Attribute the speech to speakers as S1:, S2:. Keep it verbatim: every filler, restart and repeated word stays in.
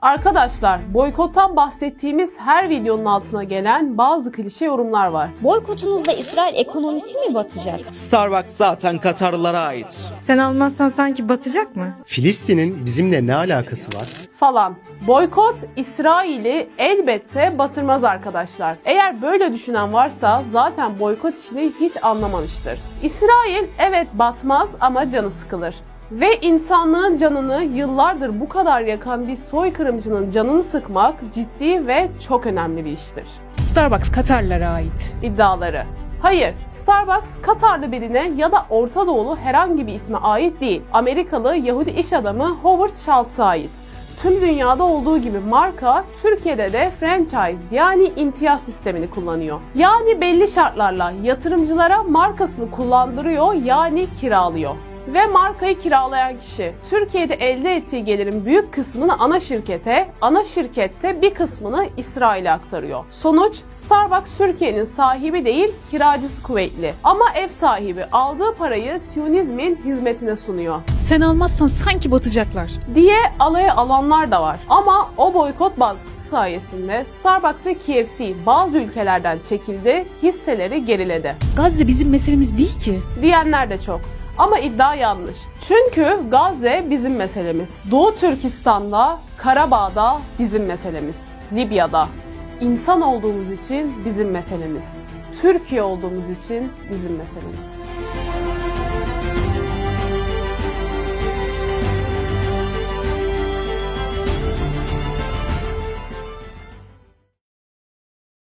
S1: Arkadaşlar, boykottan bahsettiğimiz her videonun altına gelen bazı klişe yorumlar var.
S2: Boykotumuzda İsrail ekonomisi mi batacak?
S3: Starbucks zaten Katarlılara ait.
S4: Sen almazsan sanki batacak mı?
S5: Filistin'in bizimle ne alakası var?
S1: Falan. Boykot İsrail'i elbette batırmaz arkadaşlar. Eğer böyle düşünen varsa zaten boykot işini hiç anlamamıştır. İsrail evet batmaz ama canı sıkılır. Ve insanlığın canını yıllardır bu kadar yakan bir soykırımcının canını sıkmak ciddi ve çok önemli bir iştir.
S6: Starbucks Katarlara ait.
S1: İddiaları. Hayır, Starbucks Katarlı birine ya da Orta Doğulu herhangi bir isme ait değil. Amerikalı Yahudi iş adamı Howard Schultz'a ait. Tüm dünyada olduğu gibi marka Türkiye'de de franchise yani imtiyaz sistemini kullanıyor. Yani belli şartlarla yatırımcılara markasını kullandırıyor yani kiralıyor. Ve markayı kiralayan kişi Türkiye'de elde ettiği gelirin büyük kısmını ana şirkete, ana şirkette bir kısmını İsrail'e aktarıyor. Sonuç, Starbucks Türkiye'nin sahibi değil, kiracısı kuvvetli. Ama ev sahibi aldığı parayı Siyonizmin hizmetine sunuyor
S6: Sen almazsan sanki batacaklar.
S1: diye alaya alanlar da var. Ama o boykot baskısı sayesinde Starbucks ve K F C bazı ülkelerden çekildi, hisseleri geriledi
S6: Gazze bizim meselemiz değil ki.
S1: diyenler de çok. Ama iddia yanlış. Çünkü Gazze bizim meselemiz. Doğu Türkistan'da, Karabağ'da bizim meselemiz. Libya'da. İnsan olduğumuz için bizim meselemiz. Türkiye olduğumuz için bizim meselemiz.